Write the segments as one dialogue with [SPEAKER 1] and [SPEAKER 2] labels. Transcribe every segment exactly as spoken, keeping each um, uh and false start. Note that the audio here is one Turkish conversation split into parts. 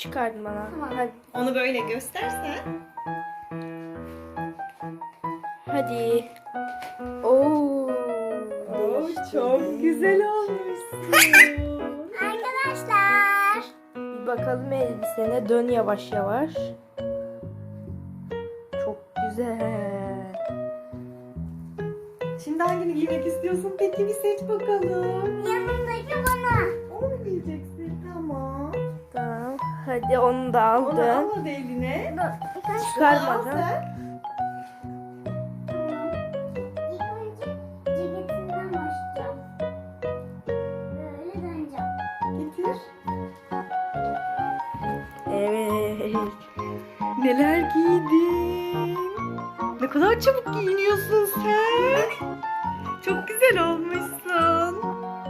[SPEAKER 1] çıkardın bana.
[SPEAKER 2] Tamam.
[SPEAKER 1] Hadi.
[SPEAKER 3] Onu böyle göstersen.
[SPEAKER 1] Hadi. Oo.
[SPEAKER 3] Oo, çok güzel olmuşsun.
[SPEAKER 2] Arkadaşlar.
[SPEAKER 1] Bir bakalım elbisene. Dön yavaş yavaş. Çok güzel.
[SPEAKER 3] Şimdi hangini giymek istiyorsun? Peki bir seç bakalım.
[SPEAKER 2] Yanımdaki bana.
[SPEAKER 3] Onu mu giyeceksin? Tamam.
[SPEAKER 1] Tamam. Hadi onu da
[SPEAKER 3] Onu
[SPEAKER 1] aldın.
[SPEAKER 3] al hadi eline.
[SPEAKER 2] Dur. Birkaç
[SPEAKER 3] Al
[SPEAKER 1] Çıkarmadan.
[SPEAKER 3] sen.
[SPEAKER 2] İlk önce ceketinden başlayacağım. Böyle döneceğim.
[SPEAKER 3] Getir.
[SPEAKER 1] Evet.
[SPEAKER 3] Neler giydin? Ne kadar çabuk giyiniyorsun sen. Çok güzel olmuşsun.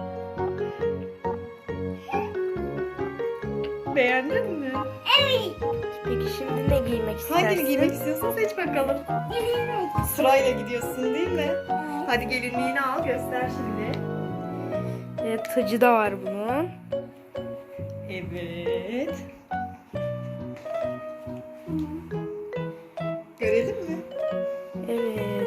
[SPEAKER 3] Beğendin mi?
[SPEAKER 2] Evet.
[SPEAKER 1] Peki şimdi ne giymek istersin?
[SPEAKER 3] Hangini giymek istiyorsun seç bakalım.
[SPEAKER 2] Gelinlik.
[SPEAKER 3] Sırayla gidiyorsun değil mi?
[SPEAKER 2] Evet.
[SPEAKER 3] Hadi gelinliğini al göster şimdi.
[SPEAKER 1] Evet, tacı da var bunun.
[SPEAKER 3] Evet. Görelim mi?
[SPEAKER 1] Evet.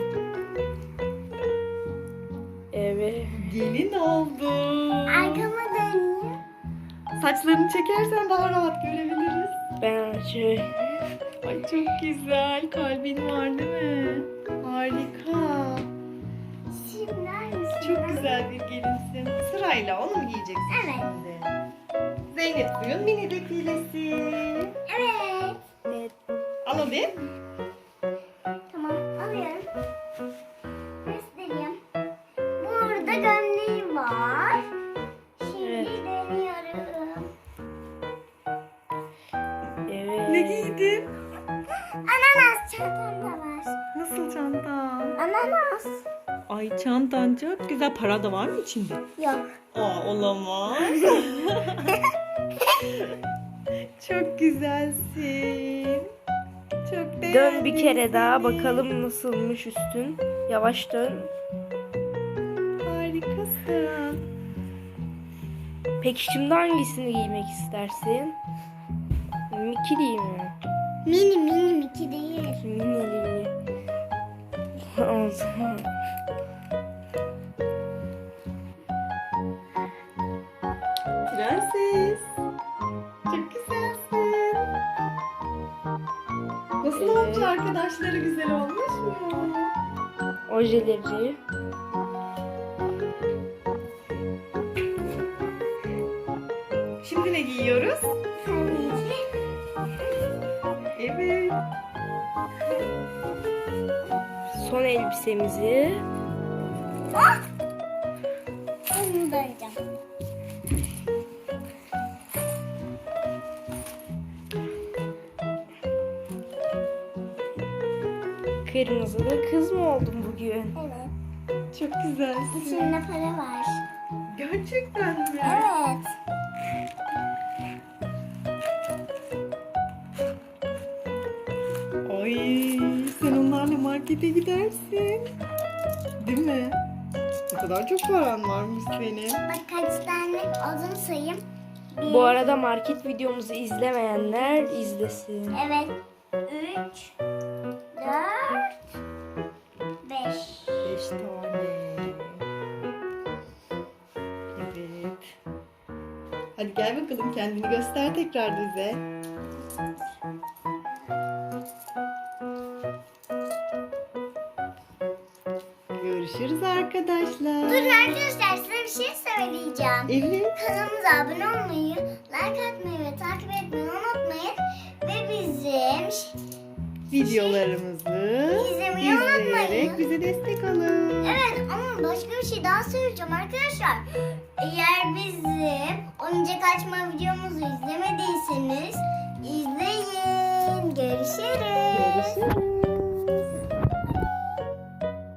[SPEAKER 1] Evet.
[SPEAKER 3] Gelin oldun.
[SPEAKER 2] Arkama dönüyor.
[SPEAKER 3] Saçlarını çekersen daha rahat görebiliriz.
[SPEAKER 1] Ben şey...
[SPEAKER 3] Ay çok güzel. Kalbin var değil mi? Harika.
[SPEAKER 2] Şimdi hangisi?
[SPEAKER 3] Çok güzel bir gelinsin. Sırayla onu mu giyeceksin
[SPEAKER 2] Evet.
[SPEAKER 3] şimdi? Zeynep Suyun mini defilesi.
[SPEAKER 2] Evet.
[SPEAKER 1] Evet.
[SPEAKER 3] Al hadi.
[SPEAKER 2] Tamam alıyorum. Göstereyim. Burada gömleği var. Şimdi
[SPEAKER 1] Evet.
[SPEAKER 2] dönüyorum.
[SPEAKER 1] Evet.
[SPEAKER 3] Ne giydin?
[SPEAKER 2] Ananas çantam da var.
[SPEAKER 3] Nasıl çantan?
[SPEAKER 2] Ananas.
[SPEAKER 3] Ay çantan çok güzel. Para da var mı içinde?
[SPEAKER 2] Yok.
[SPEAKER 3] Aa olamaz. Çok güzelsin. Çok beğendim.
[SPEAKER 1] Dön bir kere daha
[SPEAKER 3] seni.
[SPEAKER 1] bakalım nasılmış üstün. Yavaş dön.
[SPEAKER 3] Harikasın.
[SPEAKER 1] Peki şimdi hangisini giymek istersin? Mikili mi?
[SPEAKER 2] Mini mini miki değil.
[SPEAKER 1] Minili. O zaman.
[SPEAKER 3] Prenses. Çok güzelsin. Nasıl
[SPEAKER 1] Evet.
[SPEAKER 3] olmuş arkadaşları güzel olmuş mu?
[SPEAKER 1] Ojeleri.
[SPEAKER 3] Şimdi ne giyiyoruz?
[SPEAKER 2] Tabii ki.
[SPEAKER 3] Evet.
[SPEAKER 1] Son elbisemizi.
[SPEAKER 2] Onu döneceğim.
[SPEAKER 1] Kırmızılı kız mı oldun bugün?
[SPEAKER 2] Evet.
[SPEAKER 3] Çok güzelsin.
[SPEAKER 2] İçinde para var.
[SPEAKER 3] Gerçekten mi?
[SPEAKER 2] Evet.
[SPEAKER 3] Ay sen onlarla markete gidersin. Değil mi? Ne kadar çok paran varmış senin.
[SPEAKER 2] Bak kaç tane olduğunu sayayım. Bir,
[SPEAKER 1] Bu arada market videomuzu izlemeyenler izlesin.
[SPEAKER 2] Evet. Üç, dört, beş.
[SPEAKER 3] Beş tane. Evet. Hadi gel bakalım kendini göster tekrar bize. Görüşürüz arkadaşlar.
[SPEAKER 2] Dur arkadaşlar size bir şey söyleyeceğim.
[SPEAKER 3] Evet.
[SPEAKER 2] Kanalımıza abone olmayı, like atmayı ve takip etmeyi unutmayın. Ve bizim
[SPEAKER 3] Videolarımızı
[SPEAKER 2] İzlemeyi
[SPEAKER 3] izleyerek
[SPEAKER 2] unutmayın.
[SPEAKER 3] bize destek olun.
[SPEAKER 2] evet ama başka bir şey daha söyleyeceğim arkadaşlar. Eğer bizim oyuncak açma videomuzu izlemediyseniz izleyin. Görüşürüz.
[SPEAKER 3] Görüşürüz.